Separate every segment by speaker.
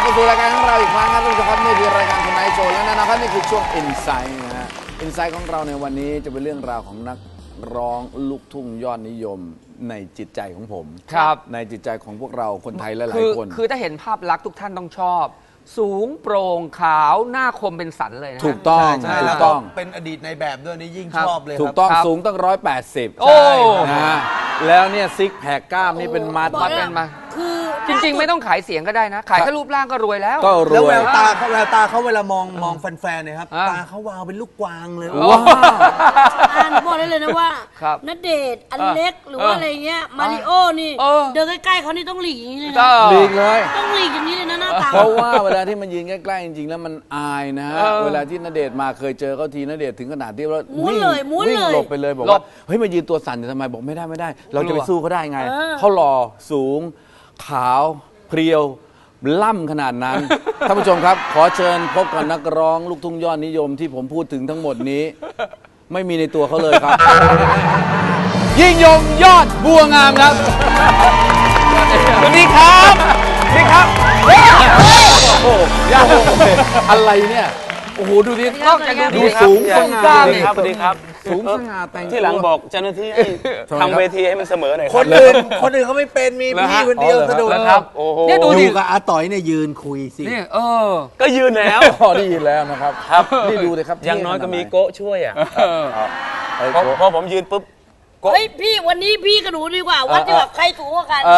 Speaker 1: มาสู่รายการของเราอีกครั้งครับทุกท่านครับนี่คือรายการทนายโชว์และนะครับนี่คือช่วง Insight นะฮะ Insight ของเราในวันนี้จะเป็นเรื่องราวของนักร้องลูกทุ่งยอดนิยมในจิตใจของผม
Speaker 2: ครับ
Speaker 1: ในจิตใจของพวกเราคนไทยหลายๆคน
Speaker 2: คือถ้าเห็นภาพลักษณ์ทุกท่านต้องชอบสูงโปร่งขาวหน้าคมเป็นสันเลยนะ
Speaker 1: ถูกต้องถูกต้อง
Speaker 3: เป็นอดีตในแบบด้วยนี่ยิ่งชอบเลย
Speaker 1: ถูกต้องสูงตั้ง180
Speaker 2: โอ้
Speaker 1: นะแล้วเนี่ยซิกแพคกล้ามนี่เป็นมัด
Speaker 2: เป็นมาคือจริงๆไม่ต้องขายเสียงก็ได้นะขายแค่รูปร่างก็รวยแล้ว
Speaker 1: แล้ว
Speaker 3: แววตาเขาเวลามองแฟนๆเนี่ยครับตาเขาวาวเป็นลูกกวางเลย
Speaker 1: ว้าว
Speaker 4: บอกได้เลยนะว่าณเดชน์อเล็กหรือว่าอะไรเงี้ยมาริโอนี่เดินใกล้ๆเขานี่ต้องหลีกอย่างนี้เลย
Speaker 1: หลีกเลย
Speaker 4: ต้องหลีกอย่างนี้เลยนะหน้าตา
Speaker 1: เพราะว่าเวลาที่มันยืนใกล้ๆจริงๆแล้วมันอายนะเวลาที่ณเดชน์มาเคยเจอเขาทีณเดชน์ถึงขนาดที่ว่าวิ่งหลบไปเลยบอกว่าเฮ้ยมายืนตัวสั่นทำไมบอกไม่ได้เราจะไปสู้เขาได้ไงเขาหล่อสูงขาวเพรียวล่ำขนาดนั้นท่านผู้ชมครับขอเชิญพบกับนักร้องลูกทุ่งยอดนิยมที่ผมพูดถึงทั้งหมดนี้ไม่มีในตัวเขาเลยครับยิ่งยงยอดบัวงามครับสวัสดีครับนี่ครับโอ้ยอะไรเนี่ยโอ้โหดูดิ
Speaker 2: นอกจาก
Speaker 1: ดูสูงสง่า
Speaker 5: ครับสวัสดีครับ
Speaker 1: สูงสง่าแต่ง
Speaker 5: ที่หลังบอกเจ้าหน้าที่ให้ทำเวทีให้มันเสมอหน่อย
Speaker 3: คนอื่นเขาไม่เป็นมีพี่คนเดียวสะดุด
Speaker 1: ครับ
Speaker 3: อยู่กับอาต่อยเนี่ยยืนคุยสิ
Speaker 2: นี่
Speaker 5: ก็ยืนแล้ว
Speaker 1: ได้ยินแล้วนะครับนี่ดูเลยครับ
Speaker 5: อย่างน้อยก็มีโก้ช่วยอ่ะพอผมยืนปุ๊บ
Speaker 4: เฮ้ยพี่วันนี้พี่กับหนูดีกว่าวัดดีกว่าใครสูงกว่ากัน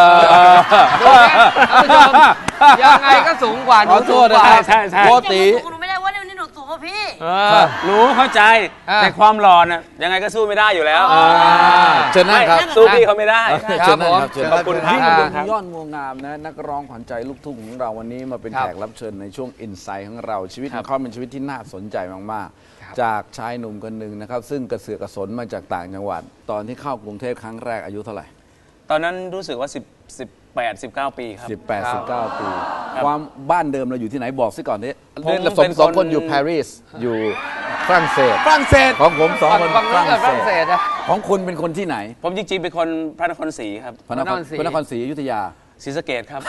Speaker 2: ยังไงก็สูงกว่าหนูสูงกว่า
Speaker 1: ใช่โกติ
Speaker 4: หนูไม่ได้ว่าวันนี้หนูสูงกว่าพี่
Speaker 5: รู้เข้าใจแต่ความหล่อน่ะยังไงก็สู้ไม่ได้อยู่แล้ว
Speaker 1: เชิญนะครับ
Speaker 5: สู้พี่เขาไม่ได้
Speaker 1: เชิญนะครับ
Speaker 5: ขอบคุณครับ
Speaker 1: ยอดงวงามนะนักร้องขวัญใจลูกทุ่งของเราวันนี้มาเป็นแขกรับเชิญในช่วง Insight ของเราชีวิตของเขาเป็นชีวิตที่น่าสนใจมากๆจากชายหนุ่มคนหนึ่งนะครับซึ่งกระเสือกกระสนมาจากต่างจังหวัดตอนที่เข้ากรุงเทพครั้งแรกอายุเท่าไหร่
Speaker 5: ตอนนั้นรู้สึกว่า18-19 ปีครับ
Speaker 1: 18-19 ปีความบ้านเดิมเราอยู่ที่ไหนบอกซิก่อนนี้เล่นสองคนอยู่ปารีสอยู่ฝรั่งเศสของผม2 คนฝรั่งเศสของคุณเป็นคนที่ไหน
Speaker 5: ผมจริงๆเป็นคนพระนครศรีครับ
Speaker 1: พระนครศรีอยุธยา
Speaker 5: ศรีสะเกษครับ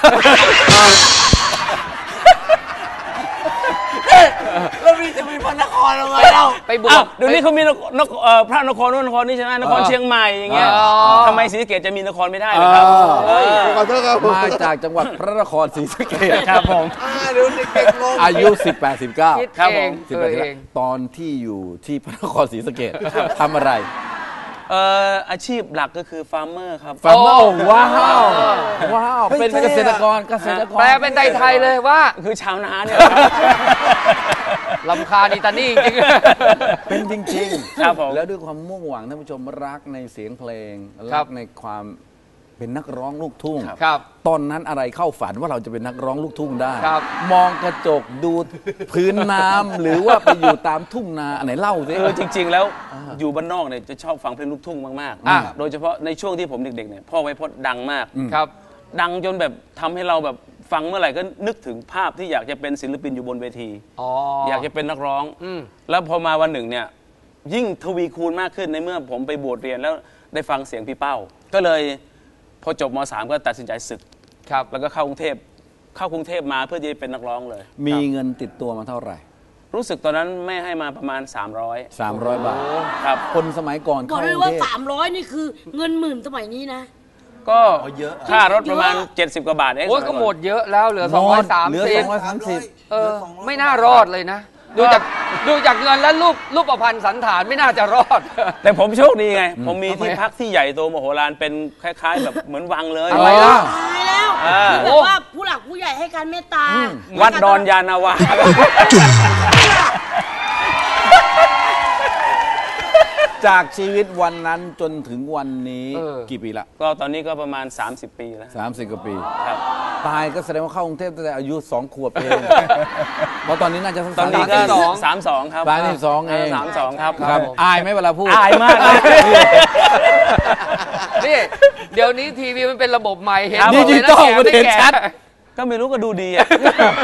Speaker 3: แล้วพี่จะมีพระนครอะไรเล่า
Speaker 5: ไปบวชเดี๋ยวนี้เขามีพระนครนู่นนครนี่ใช่ไหมนครเชียงใหม่อย่างเงี้ยทำไมศรีสะเกษจะมีนครไม่ได้เลยครับ
Speaker 1: ขอโทษครับมาจากจังหวัดพระนครศรีสะเกษ
Speaker 5: ครับผม
Speaker 1: อายุ18-19
Speaker 5: ครับผม
Speaker 1: ตอนที่อยู่ที่พระนครศรีสะเกษทำอะไร
Speaker 5: อาชีพหลักก็คือฟาร์มเมอร์ครับ
Speaker 1: ฟาร์มเมอร์ว้าวเป็นเกษตรกร
Speaker 2: แปลเป็นไทยเลยว่า
Speaker 5: คือชาวนาเนี่ย
Speaker 2: ลำคาญอิตาลีจริง
Speaker 1: เป็นจริง
Speaker 5: ๆครับผม
Speaker 1: แล้วด้วยความมุ่งหวังท่านผู้ชมรักในเสียงเพลงรักในความเป็นนักร้องลูกทุ่งตอนนั้นอะไรเข้าฝันว่าเราจะเป็นนักร้องลูกทุ่งได้มองกระจกดูพื้นน้ำหรือว่าไปอยู่ตามทุ่งนาอันไหนเล่าสิ
Speaker 5: จริงๆแล้วอยู่บ้านนอกเนี่ยจะชอบฟังเพลงลูกทุ่งมากๆโดยเฉพาะในช่วงที่ผมเด็กๆเนี่ยพ่อไวโพจน์ดังมาก
Speaker 2: ครับ
Speaker 5: ดังจนแบบทำให้เราแบบฟังเมื่อไหร่ก็นึกถึงภาพที่อยากจะเป็นศิลปินอยู่บนเวทีอยากจะเป็นนักร้องแล้วพอมาวันหนึ่งเนี่ยยิ่งทวีคูณมากขึ้นในเมื่อผมไปบวชเรียนแล้วได้ฟังเสียงพี่เป้าก็เลยพอจบม.3 ก็ตัดสินใจศึกแล้วก็เข้ากรุงเทพมาเพื่อจะเป็นนักร้องเลย
Speaker 1: มีเงินติดตัวมาเท่าไหร่
Speaker 5: รู้สึกตอนนั้นแม่ให้มาประมาณ
Speaker 1: 300 บาท
Speaker 5: ครับ
Speaker 1: คนสมัยก่อน
Speaker 4: บอกเลยว่า300นี่คือเงินหมื่นสมัยนี้นะ
Speaker 5: ก็เยอะค่ารถประมาณ70 กว่าบาทเอง
Speaker 2: โอ้ก็หมดเยอะแล้วเหลือ230ไม่น่ารอดเลยนะดูจากเงินและรูปประพันธ์สันฐานไม่น่าจะรอด
Speaker 5: แต่ผมโชคดีไงผมมีที่พักที่ใหญ่โตมโหฬารเป็นคล้ายๆแบบเหมือนวังเลย
Speaker 1: อะไรล่ะ
Speaker 4: ตายแล้วแบบว่าผู้หลักผู้ใหญ่ให้การเมตตา
Speaker 5: วัดดอนยานาวา
Speaker 1: จากชีวิตวันนั้นจนถึงวันนี้กี่ปีละ
Speaker 5: ก็ตอนนี้ก็ประมาณ30 ปีแล้ว
Speaker 1: 30 กว่าปี
Speaker 5: ครับ
Speaker 1: ตายก็แสดงว่าเข้ากรุงเทพตั้งแต่อายุ2 ขวบเองเพราะตอนนี้น่าจะ
Speaker 5: ตอนนี้ก็32ครับ
Speaker 1: 32เอง
Speaker 5: 32ครับ
Speaker 1: อายไหมเวลาพูด
Speaker 5: อายมากเลย
Speaker 2: นี่เดี๋ยวนี้ทีวีมันเป็นระบบใหม่เห็น
Speaker 1: ดิจิตอลมันเห็นชัด
Speaker 5: ก็ไม่รู้ก็ดูดีอ่ะ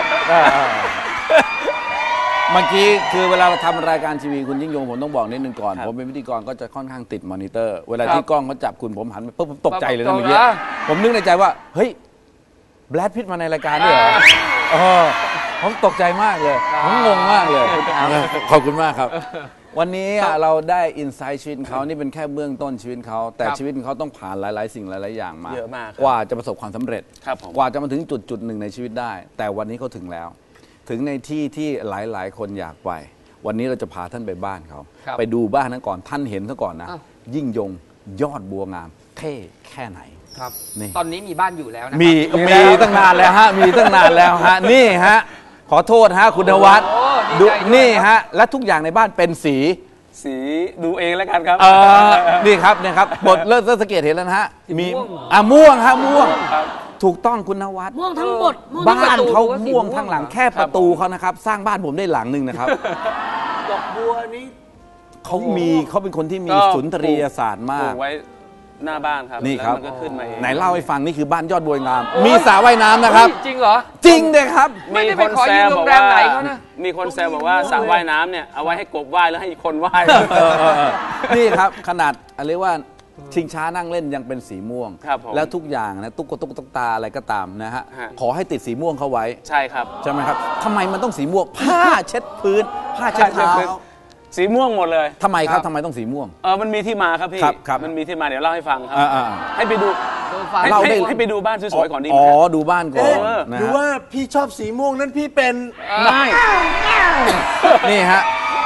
Speaker 1: เมื่อกี้คือเวลาเราทำรายการทีวีคุณยิ่งยงผมต้องบอกนิดนึงก่อนผมเป็นพิธีกรก็จะค่อนข้างติดมอนิเตอร์เวลาที่กล้องเขาจับคุณผมหันไปปุ๊บผมตกใจเลยนะเมื่อกี้ผมนึกในใจว่าเฮ้ยแบรดพิตต์มาในรายการด้วยเหรอผมตกใจมากเลยผมงงมากเลยขอบคุณมากครับวันนี้เราได้อินไซต์ชีวิตเขานี่เป็นแค่เบื้องต้นชีวิตเขาแต่ชีวิตเขาต้องผ่านหลายๆสิ่งหลายๆอย่างมา
Speaker 5: เยอะมาก
Speaker 1: กว่าจะประสบความสำเร็จ
Speaker 5: ครับผม
Speaker 1: กว่าจะมาถึงจุดหนึ่งในชีวิตได้ แต่วันนี้เขาถึงแล้ว ถึงในที่ที่หลายๆคนอยากไปวันนี้เราจะพาท่านไปบ้านเขาไปดูบ้านนั้นก่อนท่านเห็นซะก่อนนะยิ่งยงยอดบัวงามเท่แค่ไหน
Speaker 2: ครับตอนนี้มีบ้านอยู่แล้วนะ
Speaker 1: มีตั้งนานแล้วฮะมีตั้งนานแล้วฮะนี่ฮะขอโทษฮะคุณนวัดดูนี่ฮะและทุกอย่างในบ้านเป็นสี
Speaker 5: ดูเองแล้วกันครับ
Speaker 1: นี่ครับเนี่ยครับบทเลิศสังเกตเห็นแล้วนะฮะมีม่วงฮะม่วงถูกต้องคุณนวัด
Speaker 4: ม่วงทั้งบท
Speaker 1: บ้านเขาม่วงทั้งหลังแค่ประตูเขานะครับสร้างบ้านผมได้หลังหนึ่งนะครับ
Speaker 3: ดอกบัวนี้
Speaker 1: เขาเป็นคนที่มีสุนทรียศาสตร์มาก
Speaker 5: ไว้หน้าบ้านครับ
Speaker 1: นี่ครับ
Speaker 5: มันก็ขึ้นมาเอง
Speaker 1: ไหนเล่าให้ฟังนี่คือบ้านยอดบัวงามมีสระว่ายน้ำนะครับ
Speaker 2: จริงเหรอ
Speaker 1: จริงเลยครับ
Speaker 2: ไม่ได้ไปขอยืมโรงแรมไหนเขานะ
Speaker 5: มีคนแซวบอกว่าสระว่ายน้ำเนี่ยเอาไว้ให้กบว่ายแล้วให้คนว่าย
Speaker 1: นี่ครับขนาดเรียกว่าชิงช้านั่งเล่นยังเป็นสีม่วงแล้วทุกอย่างนะตุ๊กตาอะไรก็ตามนะฮะขอให้ติดสีม่วงเข้าไว้
Speaker 5: ใช่ครับ
Speaker 1: ใช่ไหมครับทำไมมันต้องสีม่วงผ้าเช็ดพื้นผ้าเช็ดเท้า
Speaker 5: สีม่วงหมดเลย
Speaker 1: ทำไมครับทำไมต้องสีม่วง
Speaker 5: มันมีที่มาครับพี่มันมีที่มาเดี๋ยวเล่าให้ฟังครับให้ไปดูให้ไปดูบ้านสวยๆก่อนดีไหม
Speaker 1: ดูบ้านก่อน
Speaker 3: ดูว่าพี่ชอบสีม่วงนั้นพี่เป็น
Speaker 1: ไม่นี่ฮะ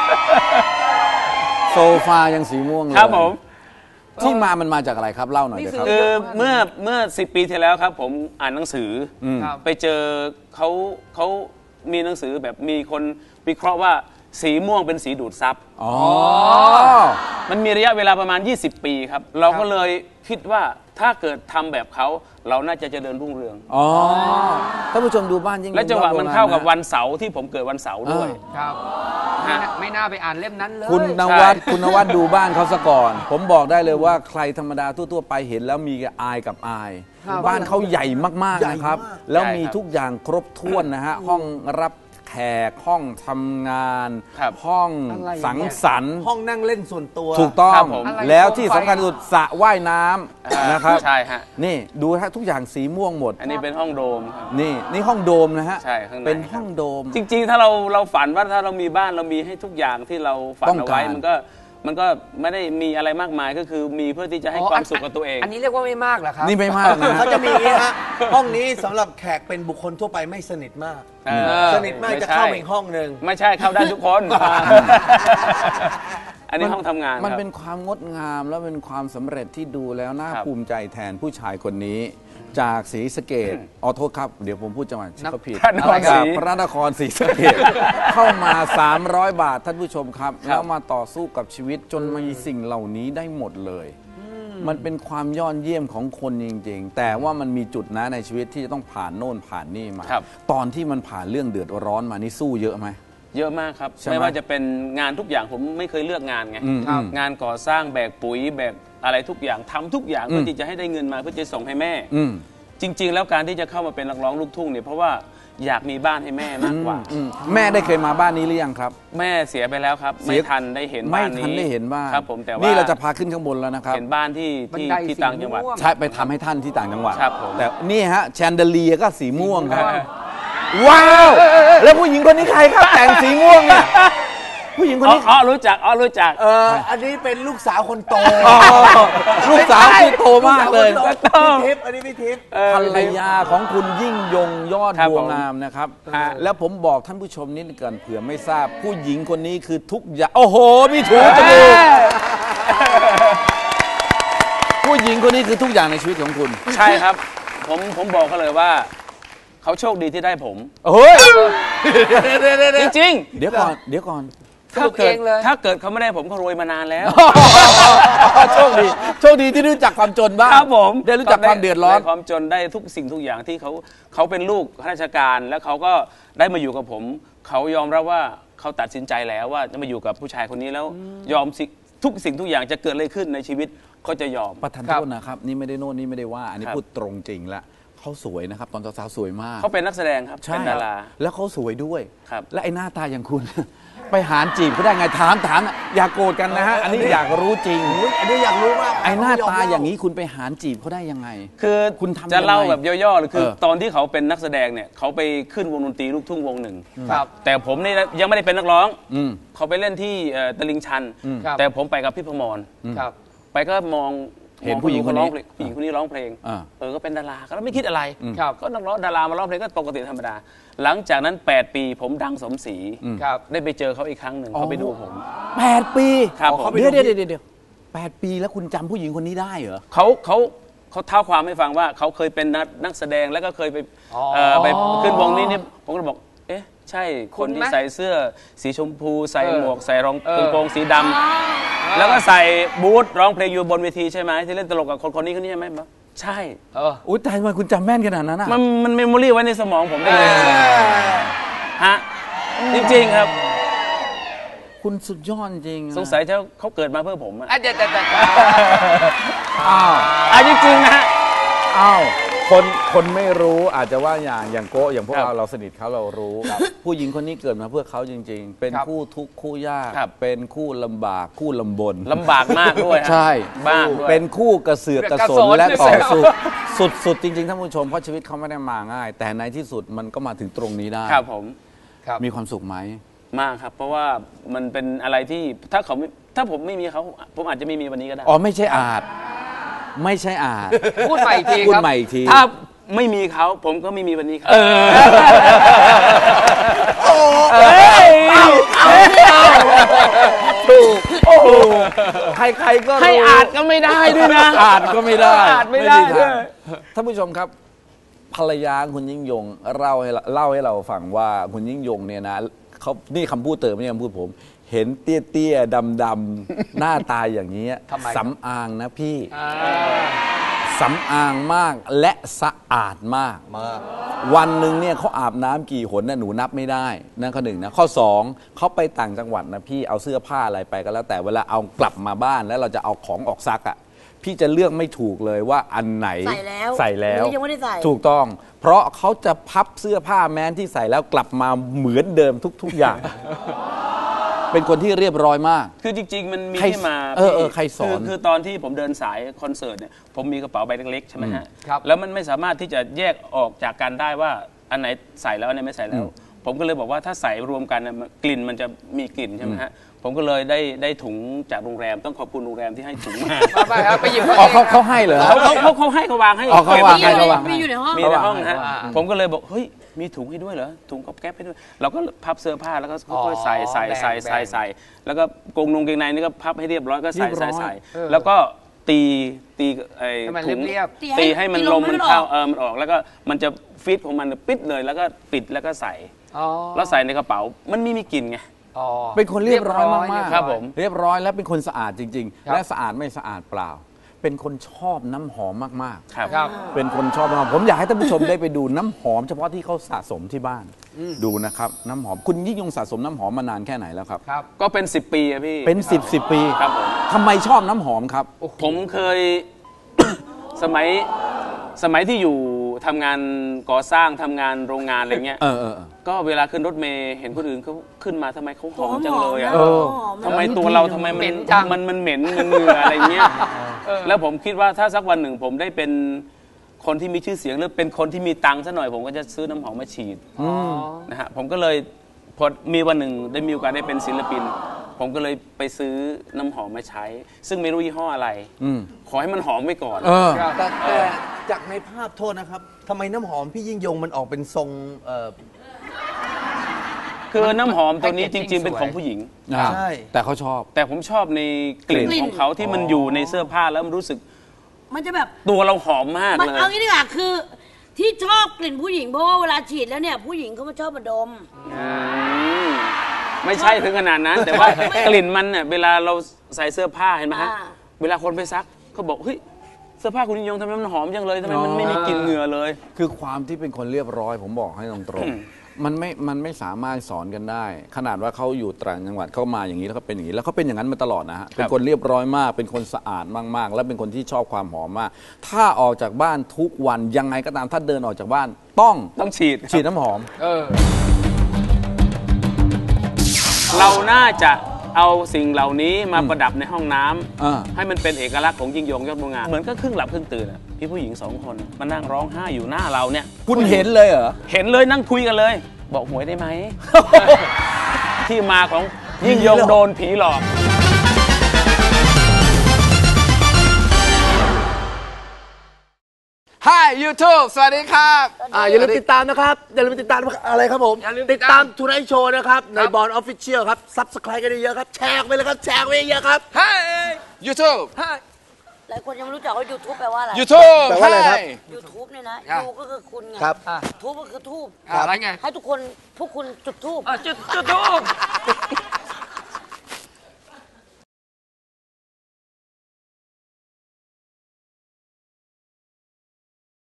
Speaker 1: โซฟายังสีม่วงเลย
Speaker 5: ครับผม
Speaker 1: ที่มันมาจากอะไรครับเล่าหน่อยครับ
Speaker 5: คือเมื่อ10 ปีที่แล้วครับผมอ่านหนังสือไปเจอเขามีหนังสือแบบมีคนวิเคราะห์ว่าสีม่วงเป็นสีดูดซับมันมีระยะเวลาประมาณ20 ปีครับเราก็เลยคิดว่าถ้าเกิดทำแบบเขาเราน่าจะเจริญรุ่งเรือง
Speaker 1: ท่านผู้ชมดูบ้านยิ่ง
Speaker 5: และจังหวะมันเข้ากับวันเสาร์ที่ผมเกิดวันเสาร์ด้วย
Speaker 2: ครับไม่น่าไปอ่านเล่มนั้นเลย
Speaker 1: คุณนวัดดูบ้านเขาซะก่อนผมบอกได้เลยว่าใครธรรมดาทั่วๆไปเห็นแล้วมีอายกับอายบ้านเขาใหญ่มากๆนะครับแล้วมีทุกอย่างครบถ้วนนะฮะห้องรับแขกห้องทำงานห้องสังสรรค์
Speaker 3: ห้องนั่งเล่นส่วนตัว
Speaker 1: ถูกต้องแล้วที่สำคัญที่สุดสระว่ายน้ำนะครับ
Speaker 5: ใช่ฮะ
Speaker 1: นี่ดูฮะทุกอย่างสีม่วงหมด
Speaker 5: อันนี้เป็นห้องโดม
Speaker 1: นี่ห้องโดมนะฮะ
Speaker 5: ใช่ข้างใน
Speaker 1: เป็นห้องโดม
Speaker 5: จริงๆถ้าเราฝันว่าถ้าเรามีบ้านเรามีให้ทุกอย่างที่เราฝันเอาไว้มันก็ไม่ได้มีอะไรมากมายก็คือมีเพื่อที่จะให้ความสุขกับตัวเอง
Speaker 2: อันนี้เรียกว่าไม่มากเหรอครับ
Speaker 1: นี่ไม่มากนะ
Speaker 3: เขาจะมีฮะห้องนี้สำหรับแขกเป็นบุคคลทั่วไปไม่สนิทมากสนิทมากจะเข้าอีกห้องหนึ่ง
Speaker 5: ไม่ใช่เข้าได้ทุกคนอันนี้ห้องทำงาน
Speaker 1: มันเป็นความงดงามแล้วเป็นความสำเร็จที่ดูแล้วน่าภูมิใจแทนผู้ชายคนนี้จากศรีสะเกษโทษครับเดี๋ยวผมพูดจังหวัดก็ผิดพระนครศรีสะเกษเข้ามา300 บาทท่านผู้ชมครับแล้วมาต่อสู้กับชีวิตจนมีสิ่งเหล่านี้ได้หมดเลยมันเป็นความยอดเยี่ยมของคนจริงๆแต่ว่ามันมีจุดนะในชีวิตที่จะต้องผ่านโน่นผ่านนี่มาตอนที่มันผ่านเรื่องเดือดร้อนมานี่สู้เยอะไหม
Speaker 5: เยอะมากครับไม่ว่าจะเป็นงานทุกอย่างผมไม่เคยเลือกงานไงงานก่อสร้างแบกปุ๋ยแบกอะไรทุกอย่างทำทุกอย่างเพื่อที่จะให้ได้เงินมาเพื่อจะส่งให้แม่จริงๆแล้วการที่จะเข้ามาเป็นนักร้องลูกทุ่งเนี่ยเพราะว่าอยากมีบ้านให้แม่มากกว่า
Speaker 1: แม่ได้เคยมาบ้านนี้หรือยังครับ
Speaker 5: แม่เสียไปแล้วครับไม่ทันได้เห็นบ้านนี้
Speaker 1: ไม่ทันได้เห็นบ้าน
Speaker 5: ครับผมแต่ว่า
Speaker 1: นี่เราจะพาขึ้นข้างบนแล้วนะครับ
Speaker 5: เห็นบ้านที่ต่างจังหวัด
Speaker 1: ใช่ไปทำให้ท่านที่ต่างจังหวัด
Speaker 5: ครับผม
Speaker 1: แต่นี่ฮะแชนเดเลียก็สีม่วงครับว้าวแล้วผู้หญิงคนนี้ใครครับแต่งสีม่วงเนี่ยผู้หญิงคนนี้
Speaker 5: รู้จัก
Speaker 3: อันนี้เป็นลูกสาวคนโต
Speaker 1: ลูกสาวที่โตมากเลย
Speaker 3: พี่ทิพย์อันนี้พี่ทิพย์
Speaker 1: ภรรยาของคุณยิ่งยงยอดบัวงามนะครับแล้วผมบอกท่านผู้ชมนิดก่อนเผื่อไม่ทราบผู้หญิงคนนี้คือทุกอย่างโอ้โหมีถูจมูกผู้หญิงคนนี้คือทุกอย่างในชีวิตของคุณ
Speaker 5: ใช่ครับผมบอกเขาเลยว่าเขาโชคดีที่ได้ผม
Speaker 1: เฮ้ย
Speaker 5: จริง
Speaker 1: ๆเดี๋ยวก่อน
Speaker 5: ถ้าเกิดเขาไม่ได้ผมเขารวยมานานแล้ว
Speaker 1: โชคดีที่รู้จักความจนบ้าง
Speaker 5: ครับผม
Speaker 1: ได้รู้จักความเดือดร้อน
Speaker 5: ความจนได้ทุกสิ่งทุกอย่างที่เขาเป็นลูกข้าราชการแล้วเขาก็ได้มาอยู่กับผมเขายอมรับว่าเขาตัดสินใจแล้วว่าจะมาอยู่กับผู้ชายคนนี้แล้วยอมทุกสิ่งทุกอย่างจะเกิดอะไรขึ้นในชีวิตเขาจะยอม
Speaker 1: ประทานโทษนะครับนี่ไม่ได้โน่นนี่ไม่ได้ว่าอันนี้พูดตรงจริงละเขาสวยนะครับตอนสาวๆสวยมาก
Speaker 5: เขาเป็นนักแสดงครับเป็นดารา
Speaker 1: แล้วเขาสวยด้วย
Speaker 5: ครับ
Speaker 1: และไอ้หน้าตาอย่างคุณไปหารจีบเขาได้ไงถามอย่าโกรธกันนะฮะอันนี้อยากรู้จริง
Speaker 3: อันนี้อยากรู้มาก
Speaker 1: ไอ้หน้าตาอย่างนี้คุณไปหารจีบเขาได้ยังไง
Speaker 5: คือ
Speaker 1: คุณทำ
Speaker 5: จะเล่า
Speaker 1: ยังไง
Speaker 5: แบบย่อๆเลยคือ
Speaker 1: เออ
Speaker 5: ตอนที่เขาเป็นนักแสดงเนี่ยเขาไปขึ้นวงดนตรีลูกทุ่งวงหนึ่ง
Speaker 2: ครับ
Speaker 5: แต่ผมนี่ยังไม่ได้เป็นนักร้อง
Speaker 1: อืม
Speaker 5: เขาไปเล่นที่ตลิ่งชัน
Speaker 2: ครับ
Speaker 5: แต่ผมไปกับพี่พมร
Speaker 2: ครับ
Speaker 5: ไปก็มอง
Speaker 1: เห็นผู้หญิงคนนี้
Speaker 5: ผู้หญิงคนนี้ร้องเพลง
Speaker 1: อ่า
Speaker 5: ก็เป็นดาราก็ไม่คิดอะไร
Speaker 2: ครับ
Speaker 5: ก็นักร้องดารามาร้องเพลงก็ปกติธรรมดา หลังจากนั้น 8 ปีผมดังสมศรี
Speaker 2: ครับ
Speaker 5: ได้ไปเจอเขาอีกครั้งหนึ่งเขาไปดูผม
Speaker 1: 8 ปี
Speaker 5: ครับผม
Speaker 1: เดี๋ยว8 ปีแล้วคุณจำผู้หญิงคนนี้ได้เหรอ
Speaker 5: เขาเท้าความให้ฟังว่าเขาเคยเป็นนักแสดงแล้วก็เคยไปไปขึ้นวงนี้เนี่ยผมก็เลยบอกเอ๊ะใช่คนที่ใส่เสื้อสีชมพูใส่หมวกใส่รองกระโปรงสีดำแล้วก็ใส่บูทร้องเพลงอยู่บนเวทีใช่ไหมที่เล่นตลกกับคนนี้ใช่ไหมบอกใช่
Speaker 1: อุ้ยแต่ทำไมคุณจำแม่นขนาดนั้นอ่ะ
Speaker 5: มันเมมโมรี่ไว้ในสมองผมได้เลยฮะจริงๆครับ
Speaker 1: คุณสุดยอดจริงอะ
Speaker 5: สงสัยเขาเกิดมาเพื่อผมอะ
Speaker 2: เดี๋ยว
Speaker 1: อ้าว
Speaker 5: จริงๆนะฮะ
Speaker 1: อ้าวคนไม่รู้อาจจะว่าอย่างโกะอย่างพวกเราสนิทเขาเรารู้ผู้หญิงคนนี้เกิดมาเพื่อเขาจริง ๆ เป็นคู่ทุกข์คู่ยาก
Speaker 5: ครับ
Speaker 1: เป็นคู่ลำบากคู่ลำบน
Speaker 5: ลำบากมากด้วยฮะ
Speaker 1: ใช่
Speaker 5: บ้างด้วย
Speaker 1: เป็นคู่กระเสือกกระสนและต่อสู้สุดจริงๆท่านผู้ชมเพราะชีวิตเขาไม่ได้มาง่าย แต่ในที่สุดมันก็มาถึงตรงนี้ได้
Speaker 5: ครับผม
Speaker 1: มีความสุขไหม
Speaker 5: มากครับ เพราะว่ามันเป็นอะไรที่ถ้าผมไม่มีเขาผมอาจจะไม่มีวันนี้ก็ได้
Speaker 1: อ๋อไม่ใช่อาจไม่ใช่อาจ
Speaker 2: พูดใหม่อีกที
Speaker 1: พูด
Speaker 2: ครับ
Speaker 1: ใหม่อีกที
Speaker 5: ถ้าไม่มีเขาผมก็ไม่มีวันนี้ครับ
Speaker 1: ถูกใครๆก็รู้
Speaker 5: ให้อาจก็ไม่ได้ด้วยนะ
Speaker 1: อาจก็ไม่ได้
Speaker 5: อาจไม่ได้
Speaker 1: ทาง
Speaker 5: ด้วย
Speaker 1: ท่านผู้ชมครับภรรยาคุณยิ่งยงเล่าให้เราฟังว่าคุณยิ่งยงเนี่ยนะเขานี่คำพูดเติมไม่ใช่คำพูดผม เห็นเตี้ยๆดำๆหน้าตาอย่างนี้
Speaker 2: ทำไม
Speaker 1: สำอางนะพี่สำอางมากและสะอาดมาก วันหนึ่งเนี่ยเขาอาบน้ำกี่หนน่ะหนูนับไม่ได้นั่นข้อหนึ่งนะข้อสองเขาไปต่างจังหวัดนะพี่เอาเสื้อผ้าอะไรไปก็แล้วแต่เวลาเอากลับมาบ้านแล้วเราจะเอาของออกซักอ่ะพี่จะเลือกไม่ถูกเลยว่าอันไหน
Speaker 4: ใส่แล้ว
Speaker 1: ใส่แล้ว
Speaker 4: หรือยังไม่ได้ใส่
Speaker 1: ถูกต้อง เพราะเขาจะพับเสื้อผ้าแม้นที่ใส่แล้วกลับมาเหมือนเดิมทุกอย่าง เป็นคนที่เรียบร้อยมาก
Speaker 5: คือจริงๆ มันมี
Speaker 1: ใคร
Speaker 5: ที่มา
Speaker 1: ใครสอน
Speaker 5: คือตอนที่ผมเดินสายคอนเสิร์ตเนี่ยผมมีกระเป๋าใบเล็กๆใช่ไหมฮะ
Speaker 2: ครับ
Speaker 5: แล้วมันไม่สามารถที่จะแยกออกจากกันได้ว่าอันไหนใส่แล้วอันไหนไม่ใส่แล้ว ผมก็เลยบอกว่าถ้าใส่รวมกันน่ะกลิ่นมันจะมีกลิ่นใช่ไหมฮะผมก็เลยได้ถุงจากโรงแรมต้องขอบคุณโรงแรมที่ให้ถุงมา
Speaker 2: ไปครับไปหยิบ
Speaker 1: อ๋อเขาให้เหรอ
Speaker 5: เขาให้เขาวางให้
Speaker 1: อ๋อเขาวางให้
Speaker 4: มีอยู่ในห้อง
Speaker 5: มีในห้องฮะผมก็เลยบอกเฮ้ยมีถุงให้ด้วยเหรอถุงก๊อบแก๊บให้ด้วยเราก็พับเสื้อผ้าแล้วก็ค่อยๆใส่แล้วก็กงนงเกงในนี่ก็พับให้เรียบร้อยก็ใส่แล้วก็ตีไอ้
Speaker 2: ให้มัน
Speaker 5: ถุง
Speaker 2: เรียบ
Speaker 5: ตีให้มันลมมันเข้ามันออกแล้วก็มันจะฟิตของมันปิดเลยแล้วก็ปิดแล้วก็ใส่ แล้วใส่ในกระเป๋ามันไม่มีกลิ่นไง
Speaker 1: เป็นคนเรียบร้อยมากๆ
Speaker 5: ครับผม
Speaker 1: เรียบร้อยและเป็นคนสะอาดจริง
Speaker 2: ครับ
Speaker 1: ๆ และสะอาดไม่สะอาดเปล่า เป็นคนชอบน้ำหอมมาก
Speaker 5: ครับ
Speaker 1: ๆ เป็นคนชอบน้ำหอมผมอยากให้ท่านผู้ชมได้ไปดูน้ำหอมเฉพาะที่เขาสะสมที่บ้าน ดูนะครับน้ำหอมคุณยิ่งยงสะสมน้ำหอมมานานแค่ไหนแล้วครับ
Speaker 2: ครับ
Speaker 5: ก็เป็น10 ปีอะพี่
Speaker 1: เป็น10 ปี
Speaker 5: ครับผม
Speaker 1: ทำไมชอบน้ำหอมครับ
Speaker 5: ผมเคย สมัยที่อยู่ทำงานก่อสร้างทำงานโรงงานอะไรเงี้ย
Speaker 1: เออ
Speaker 5: ก็เวลาขึ้นรถเมล์เห็นคนอื่นเขาขึ้นมาทำไมเขาหอมจังเลยอ่ะ
Speaker 1: เออ
Speaker 5: ทำไมตัวเราทำไม
Speaker 2: เหม็นจัง
Speaker 5: มันเหม็นมันเหงื่ออะไรเงี้ยแล้วผมคิดว่าถ้าสักวันหนึ่งผมได้เป็นคนที่มีชื่อเสียงหรือเป็นคนที่มีตังค์ซะหน่อยผมก็จะซื้อน้ำหอมมาฉีดนะฮะผมก็เลยพอมีวันหนึ่งได้มีโอกาสได้เป็นศิลปิน ผมก็เลยไปซื้อน้ำหอมมาใช้ ซึ่งไม่รู้ยี่ห้ออะไรขอให้มันหอมไว้ก่อน
Speaker 3: แต่จากในภาพโทษนะครับทำไมน้ำหอมพี่ยิ่งยงมันออกเป็นทรง
Speaker 5: คือน้ำหอมตัวนี้จ
Speaker 2: แพ็กเกจจิ้
Speaker 5: ริ
Speaker 2: ง
Speaker 5: ง ๆ เป็น
Speaker 2: สวย
Speaker 5: ของผู้หญิง
Speaker 3: ใช่
Speaker 1: แต่เขาชอบ
Speaker 5: แต่ผมชอบในกลิ่น
Speaker 4: กลิ่น
Speaker 5: ของเขาที่มันอยู่ในเสื้อผ้าแล้วมันรู้สึก
Speaker 4: มันจะแบบ
Speaker 5: ตัวเราหอมมาก
Speaker 4: มัน
Speaker 5: เลย
Speaker 4: เอางี้ดีกว่าคือ ที่ชอบกลิ่นผู้หญิงเพราะว่าเวลาฉีดแล้วเนี่ยผู้หญิงเขามาชอบมาดม
Speaker 5: ไม่ใช่ถึงขนาดนั้น แต่ว่ากลิ่นมันเนี่ยเวลาเราใส่เสื้อผ้าเห็นไหมฮะ
Speaker 4: อ่า
Speaker 5: เวลาคนไปซักเขาบอกเฮ้ยเสื้อผ้าคุณยิ่งยงทำไมมันหอมจังเลยทำไมมันไม่มีกลิ่นเหงื่อเลย
Speaker 1: คือความที่เป็นคนเรียบร้อยผมบอกให้ตรงๆมันไม่สามารถสอนกันได้ ขนาดว่าเขาอยู่ต่างจังหวัดเขามาอย่างนี้แล้วเขาเป็นอย่างนี้แล้วเขาเป็นอย่างนั้นมาตลอดนะฮะเป็นคนเรียบร้อยมาก เป็นคนสะอาดมากๆ และเป็นคนที่ชอบความหอมมาก ถ้าออกจากบ้านทุกวันยังไงก็ตามถ้าเดินออกจากบ้านต้อง
Speaker 5: ต้องฉีด
Speaker 1: ฉีดน้ำหอม
Speaker 2: เออ
Speaker 5: เราน่าจะเอาสิ่งเหล่านี้มาประดับในห้องน้ำให้มันเป็นเอกลักษณ์ของยิ่งยงยอดบัวงามเหมือนก็ครึ่งหลับครึ่งตื่นพี่ผู้หญิง2 คนมานั่งร้องไห้อยู่หน้าเราเนี่ย
Speaker 1: คุณเห็นเลยเหรอ
Speaker 5: เห็นเลยนั่งคุยกันเลย บอกหวยได้ไหม ที่มาของยิ่งยงโดนผีหลอก
Speaker 1: Hi YouTube สวัสดีครับ
Speaker 3: อย่าลืมติดตามนะครับ อย่าลืมติดตามอะไรครับผม ติดตามทูไนท์โชว์นะครับ ในบอลออฟฟิเชียลครับ ซับสไครต์กันเยอะๆครับ แชร์ไปเลยครับ แชร์ไปเยอะๆครับ
Speaker 1: Hi YouTube
Speaker 4: หลายคนยังไม่รู้จักว่า YouTube แปลว่าอะไร
Speaker 1: YouTube
Speaker 3: แปลว่าอะไรครับ
Speaker 4: YouTube เนี่ยนะยูก็คือคุณไง
Speaker 3: ครับ
Speaker 4: ทูบก็คือทูบ
Speaker 2: อะไรไง
Speaker 4: ให้พวกคุณจุดทูบ
Speaker 2: จุดทูบ